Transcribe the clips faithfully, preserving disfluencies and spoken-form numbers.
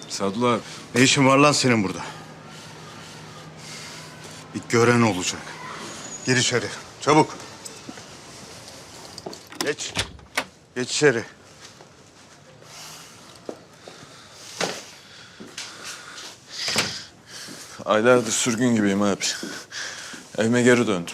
Sadullah abi. Ne işin var lan senin burada? Bir gören olacak. Gir içeri. Çabuk. Geç. Geç içeri. Aylardır sürgün gibiyim abi. Evime geri döndüm.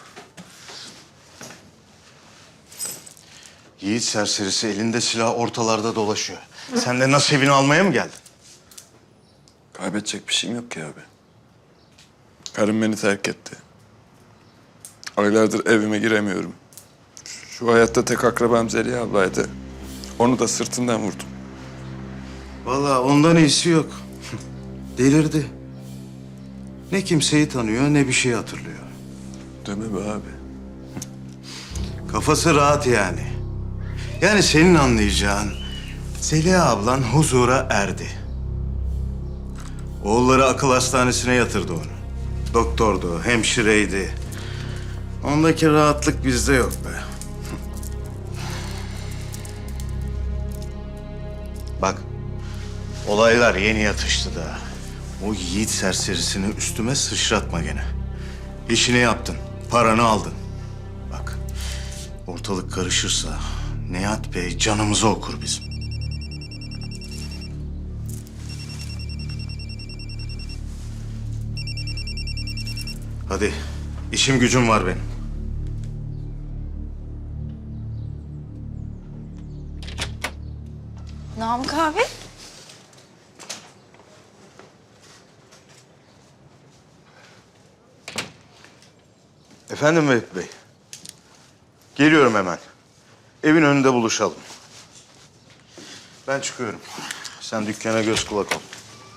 Yiğit serserisi elinde silah ortalarda dolaşıyor. Sen de nasibini almaya mı geldin? Kaybedecek bir şeyim yok ki abi. Karım beni terk etti. Aylardır evime giremiyorum. Şu hayatta tek akrabam Zeliha ablaydı. Onu da sırtından vurdum. Vallahi ondan iyisi yok. Delirdi. Ne kimseyi tanıyor ne bir şey hatırlıyor. Deme be abi. Kafası rahat yani. Yani senin anlayacağın Zeliha ablan huzura erdi. Oğulları akıl hastanesine yatırdı onu. Doktordu, hemşireydi. Ondaki rahatlık bizde yok be. Bak, olaylar yeni yatıştı da. O yiğit serserisini üstüme sıçratma gene. İşini yaptın, paranı aldın. Bak, ortalık karışırsa Nihat Bey canımızı okur bizim. Hadi, işim gücüm var benim. Namık abi. Efendim Vehbi Bey. Geliyorum hemen. Evin önünde buluşalım. Ben çıkıyorum. Sen dükkana göz kulak ol.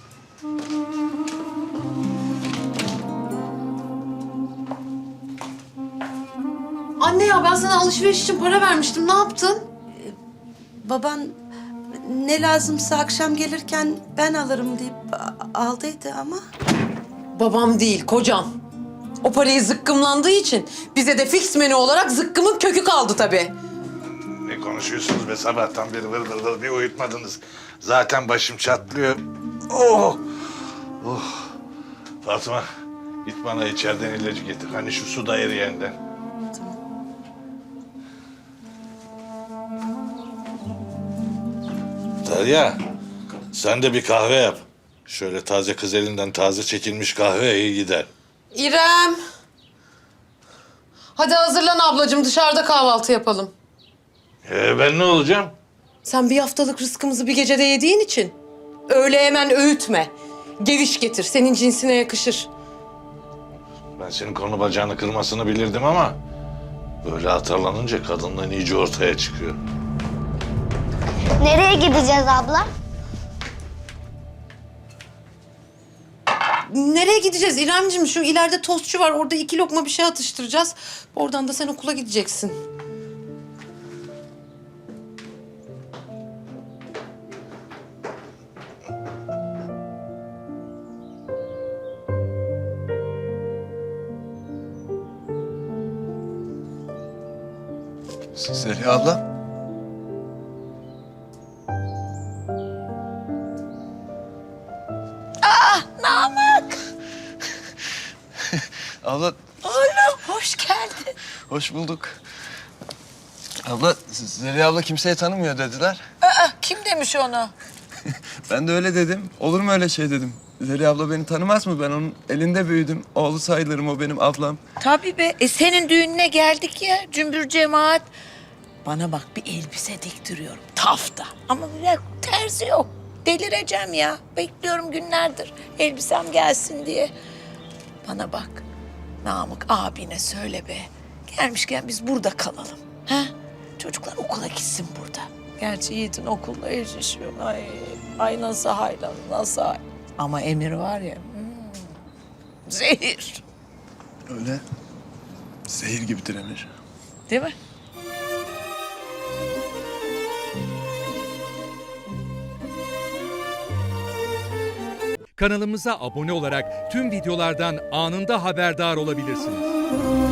Anne ya ben sana alışveriş için para vermiştim. Ne yaptın? Baban ne lazımsa akşam gelirken ben alırım deyip a- aldıydı ama. Babam değil, kocam. O parayı zıkkımlandığı için bize de fix menü olarak zıkkımın kökü kaldı tabii. Ne konuşuyorsunuz be, sabahtan beri vır vır vır bir uyutmadınız. Zaten başım çatlıyor. Oh! Oh! Fatma, git bana içeriden ilacı getir. Hani şu suda eriyenden. Derya, sen de bir kahve yap. Şöyle taze kız elinden taze çekilmiş kahve iyi gider. İrem. Hadi hazırlan ablacığım, dışarıda kahvaltı yapalım. Ee, ben ne olacağım? Sen bir haftalık rızkımızı bir gecede yediğin için öyle hemen öğütme. Geviş getir, senin cinsine yakışır. Ben senin konu bacağını kırmasını bilirdim ama... ...böyle atarlanınca kadınlığın iyice ortaya çıkıyor. Nereye gideceğiz abla? Nereye gideceğiz İremciğim? Şu ileride tostçu var, orada iki lokma bir şey atıştıracağız. Oradan da sen okula gideceksin. Zeliha abla. Namık! Abla Oğlum hoş geldin. hoş bulduk. Abla Zeliha abla kimseyi tanımıyor dediler. Aa, kim demiş onu? Ben de öyle dedim. Olur mu öyle şey dedim. Zeliha abla beni tanımaz mı? Ben onun elinde büyüdüm. Oğlu sayılırım, o benim ablam. Tabii be. E, senin düğününe geldik ya cümbür cemaat. Bana bak bir elbise diktiriyorum. Tafta. Ama bir terzi yok. Delireceğim ya. Bekliyorum günlerdir elbisem gelsin diye. Bana bak. Namık abine söyle be. Gelmişken biz burada kalalım. Ha? Çocuklar okula gitsin burada. Gerçi Yiğit'in okulla eşleşiyor. Ay, ay nasıl haylan, nasıl hay. Ama Emir var ya, hmm, zehir. Öyle zehir gibidir Emir. Değil mi? Kanalımıza abone olarak tüm videolardan anında haberdar olabilirsiniz.